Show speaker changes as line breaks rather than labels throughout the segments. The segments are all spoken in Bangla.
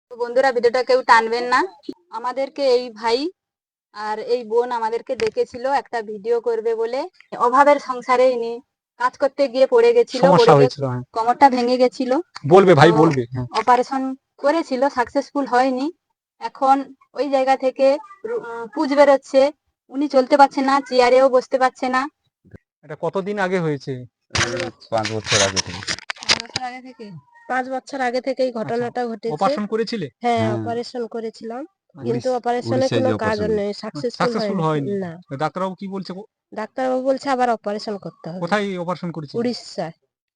তো বন্ধুরা, ভিডিওটা কেউ টানবেন না। আমাদেরকে এই ভাই আর এই বোন আমাদেরকে ডেকেছিল একটা ভিডিও করবে বলে। অভাবের সংসারে ইনি কাজ করতে গিয়ে পড়ে গেছিল,
সমস্যা
পড়ে গিয়ে
হয়েছিল। হ্যাঁ,
কোমরটা ভেঙে গেছিল।
বলবে ভাই, বলবে। হ্যাঁ,
অপারেশন করেছিল, সাকসেসফুল হয়নি। এখন ওই জায়গা থেকে পুজ বেরোচ্ছে। উনি চলতে পারছে না, চেয়ারেও বসতে পারছে না।
এটা কতদিন আগে হয়েছে?
5 বছর আগে থেকে।
5 বছর আগে থেকে।
5 বছর আগে থেকে এই ঘটনাটা ঘটেছে।
অপারেশন করেছিলে?
হ্যাঁ,
হ্যাঁ।
অপারেশন করেছিলাম,
আচ্ছা,
কিন্তু অপারেশনে
উড়িষ্যায়
কোনো
যে
কাজ
অপারেশন
নেই, সাকসেসফুল
সাকসেসফুল হয়নি।
না।
ডাক্তারবাবু কি বলছে?
ডাক্তারবাবু বলছে আবার অপারেশন করতে হবে।
কোথায় অপারেশন করেছিল?
উড়িষ্যায়।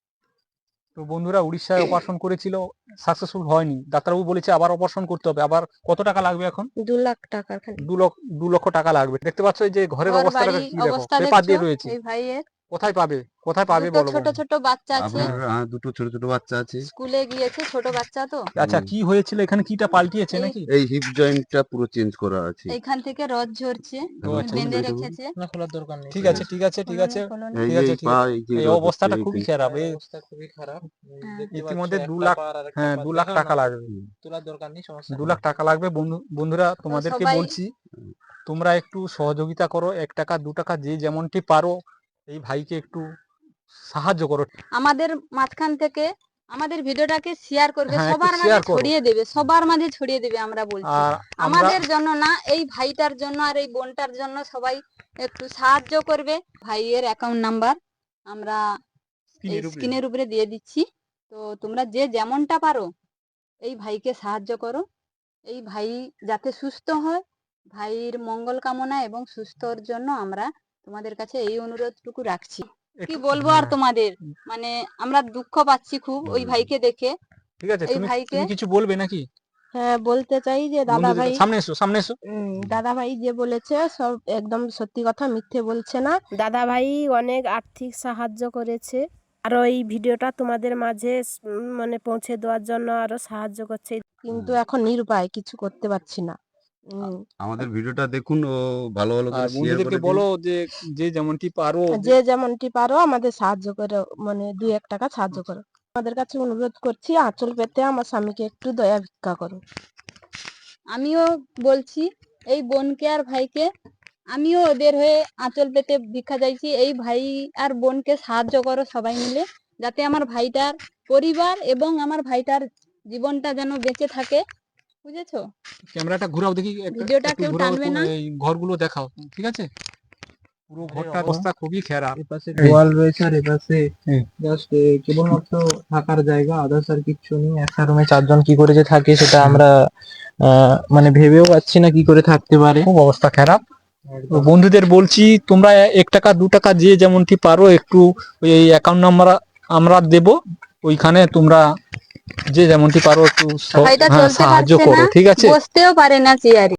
তো বন্ধুরা, উড়িষ্যায় অপারেশন করেছিল, সাকসেসফুল হয়নি। ডাক্তারবাবু বলেছে আবার অপারেশন করতে হবে। আবার কত টাকা লাগবে এখন?
2 লাখ টাকার খালি।
2 লক্ষ টাকা লাগবে। দেখতে পাচ্ছ এই যে ঘরের
ঘর
অবস্থাটা
বাড়ি
কি, দেখো
অবস্থা
পেপার
দেখছো
দিয়ে রয়েছে।
এই ভাইয়ের।
কোথায় পাবে, কোথায় পাবে
দুটো
বলো?
ছোট ছোট বাচ্চা আছে,
আপনার দুটো ছোট ছোট বাচ্চা আছে।
স্কুলে গিয়েছে, ছোট বাচ্চা তো।
আচ্ছা, কি হয়েছিল এখানে? কিটা পাল্টিয়েছে
এই-
নাকি?
এই হিপ জয়েন্টটা পুরো চেঞ্জ করা আছে।
এইখান থেকে রড ঝরছে,
ও
উনি
আচ্ছা,
বেঁধে
বুঝতে
রেখেছে।
না, খোলার দরকার নেই। ঠিক আছে, ঠিক আছে, ঠিক আছে,
খোলনি।
এই
ঠিক
যে
আছে,
এই
ঠিক
পা,
আছে।
এই যে
এই
রড
অবস্থাটা
হচ্ছে,
খুবই
এই
খারাপ। এই
অবস্থা খুবই খারাপ।
হ্যাঁ।
ইতিমধ্যে 2 লাখ, হ্যাঁ 2 লাখ টাকা লাগবে।
তোলার দরকার নেই, সমস্যা
2 লাখ টাকা লাগবে। বন্ধুরা, তোমাদেরকে
সবাই-
বলছি, তোমরা একটু সহযোগিতা করো। 1 টাকা 2 টাকা যে যেমনটি পারো এই ভাইকে একটু সাহায্য করো।
আমাদের মাঝখান থেকে আমাদের ভিডিওটাকে শেয়ার করবে,
হ্যাঁ, একটু
সবার মাঝে
share করো।
ছড়িয়ে দেবে, সবার মাঝে ছড়িয়ে দেবে। আমরা বলছি
আর আমরা
আমাদের জন্য না, এই ভাইটার জন্য আর এই বোনটার জন্য সবাই একটু সাহায্য করবে। ভাইয়ের অ্যাকাউন্ট নাম্বার আমরা এই স্ক্রিনের উপরে দিয়ে দিচ্ছি। তো তোমরা যে যেমনটা পারো এই ভাইকে সাহায্য করো। এই ভাই যাতে সুস্থ হয়, ভাইয়ের মঙ্গল কামনা এবং সুস্থর জন্য আমরা তোমাদের কাছে এই অনুরোধটুকু রাখছি। কি বলবো আর তোমাদের, মানে আমরা দুঃখ পাচ্ছি খুব ওই ভাইকে দেখে।
ঠিক আছে,
এই ভাইকে
তুমি কিছু বলবে নাকি?
হ্যাঁ, বলতে চাই যে দাদা ভাই,
সামনে এসো, সামনে এসো।
দাদা ভাই যে বলেছে সব একদম সত্যি কথা, মিথ্যে বলছে না। দাদা ভাই অনেক আর্থিক সাহায্য করেছে, আরো এই ভিডিওটা তোমাদের মাঝে মানে পৌঁছে দেওয়ার জন্য আরো সাহায্য করছে, কিন্তু এখন নিরুপায়, কিছু করতে পারছি না।
আমাদের ভিডিওটা দেখুন ও ভালো ভালো
আর
করে শেয়ার
বন্ধুদেরকে
করে দিন।
বলো যে যে যেমনটি পারো,
যে যেমনটি পারো আমাদের সাহায্য করো, মানে 2-1 টাকা সাহায্য করো। আমাদের কাছে অনুরোধ করছি, আঁচল পেতে আমার স্বামীকে একটু দয়া ভিক্ষা করো।
আমিও বলছি এই বোনকে আর ভাইকে, আমিও ওদের হয়ে আঁচল পেতে ভিক্ষা চাইছি। এই ভাই আর বোনকে সাহায্য করো সবাই মিলে, যাতে আমার ভাইটার পরিবার এবং আমার ভাইটার জীবনটা যেন বেঁচে থাকে। বুঝেছো?
ক্যামেরাটা ঘুরাও দেখি,
ভিডিওটা
একটু
কেউ
ঘুরাও,
টানবে না।
এই ঘরগুলো দেখাও, ঠিক আছে? পুরো ঘরটার অবস্থা খুবই খারাপ।
এপাশে গোয়াল রয়েছে আর এপাশে জাস্ট কেবলমাত্র থাকার জায়গা, আদার্স আর কিচ্ছু নেই। একটা রুমে 4 জন কি করে যে থাকে সেটা আমরা মানে ভেবেও পাচ্ছি না কি করে থাকতে পারে।
খুব অবস্থা খারাপ। তো বন্ধুদের বলছি, তোমরা 1 টাকা 2 টাকা যে যেমনটি পারো একটু ওই অ্যাকাউন্ট নাম্বার আমরা দেব, ওইখানে তোমরা যে যেমনটি পারো একটু
ভাইটা চলতে
সাহায্য
পারছে
করো,
না,
ঠিক আছে?
বসতেও পারে না চেয়ারে।